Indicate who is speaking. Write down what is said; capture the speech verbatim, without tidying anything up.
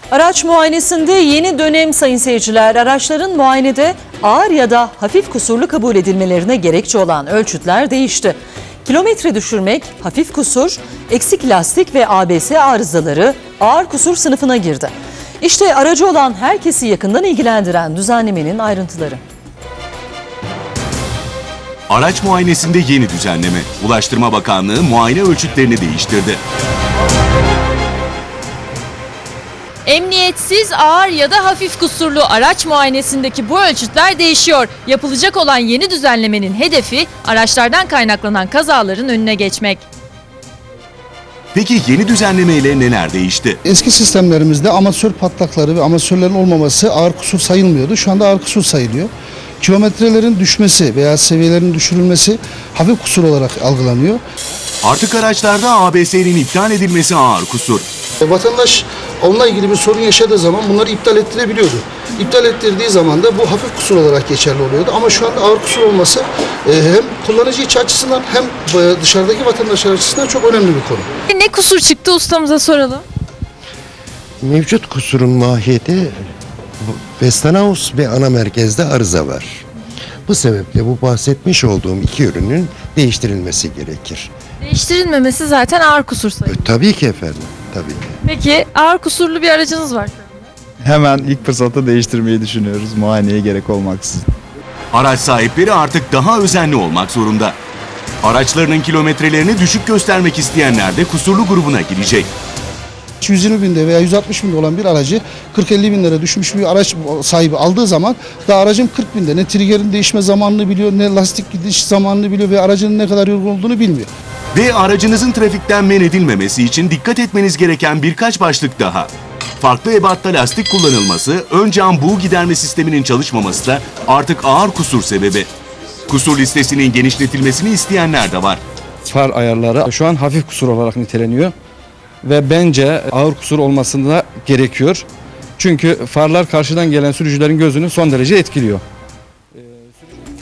Speaker 1: Araç muayenesinde yeni dönem sayın seyirciler. Araçların muayenede ağır ya da hafif kusurlu kabul edilmelerine gerekçe olan ölçütler değişti. Kilometre düşürmek, hafif kusur, eksik lastik ve A B S arızaları ağır kusur sınıfına girdi. İşte aracı olan herkesi yakından ilgilendiren düzenlemenin ayrıntıları.
Speaker 2: Araç muayenesinde yeni düzenleme. Ulaştırma Bakanlığı muayene ölçütlerini değiştirdi.
Speaker 3: Emniyetsiz, ağır ya da hafif kusurlu araç muayenesindeki bu ölçütler değişiyor. Yapılacak olan yeni düzenlemenin hedefi araçlardan kaynaklanan kazaların önüne geçmek.
Speaker 2: Peki yeni düzenlemeyle neler değişti?
Speaker 4: Eski sistemlerimizde amatör patlakları ve amatörlerin olmaması ağır kusur sayılmıyordu. Şu anda ağır kusur sayılıyor. Kilometrelerin düşmesi veya seviyelerin düşürülmesi hafif kusur olarak algılanıyor.
Speaker 2: Artık araçlarda A B S'nin iptal edilmesi ağır kusur.
Speaker 4: Vatandaş onunla ilgili bir sorun yaşadığı zaman bunları iptal ettirebiliyordu. İptal ettirdiği zaman da bu hafif kusur olarak geçerli oluyordu. Ama şu anda ağır kusur olması hem kullanıcı içi açısından hem dışarıdaki vatandaşlar açısından çok önemli bir konu.
Speaker 3: Ne kusur çıktı ustamıza soralım.
Speaker 5: Mevcut kusurun mahiyeti Westinghouse ve ana merkezde arıza var. Bu sebeple bu bahsetmiş olduğum iki ürünün değiştirilmesi gerekir.
Speaker 3: Değiştirilmemesi zaten ağır kusur sayılır.
Speaker 5: E, tabii ki efendim, tabii ki.
Speaker 3: Peki ağır kusurlu bir aracınız var şu anda.
Speaker 6: Hemen ilk fırsatta değiştirmeyi düşünüyoruz, muayeneye gerek olmaksızın. Araç
Speaker 2: sahipleri artık daha özenli olmak zorunda. Araçlarının kilometrelerini düşük göstermek isteyenler de kusurlu grubuna girecek.
Speaker 4: yüz yirmi binde veya yüz altmış binde olan bir aracı kırk elli bin lira düşmüş bir araç sahibi aldığı zaman da aracın kırk binde ne triggerin değişme zamanını biliyor, ne lastik gidiş zamanını biliyor ve aracının ne kadar yorgun olduğunu bilmiyor.
Speaker 2: Ve aracınızın trafikten men edilmemesi için dikkat etmeniz gereken birkaç başlık daha. Farklı ebatta lastik kullanılması, ön cam buğu giderme sisteminin çalışmaması da artık ağır kusur sebebi. Kusur listesinin genişletilmesini isteyenler de var.
Speaker 7: Far ayarları şu an hafif kusur olarak niteleniyor ve bence ağır kusur olmasında gerekiyor. Çünkü farlar karşıdan gelen sürücülerin gözünü son derece etkiliyor.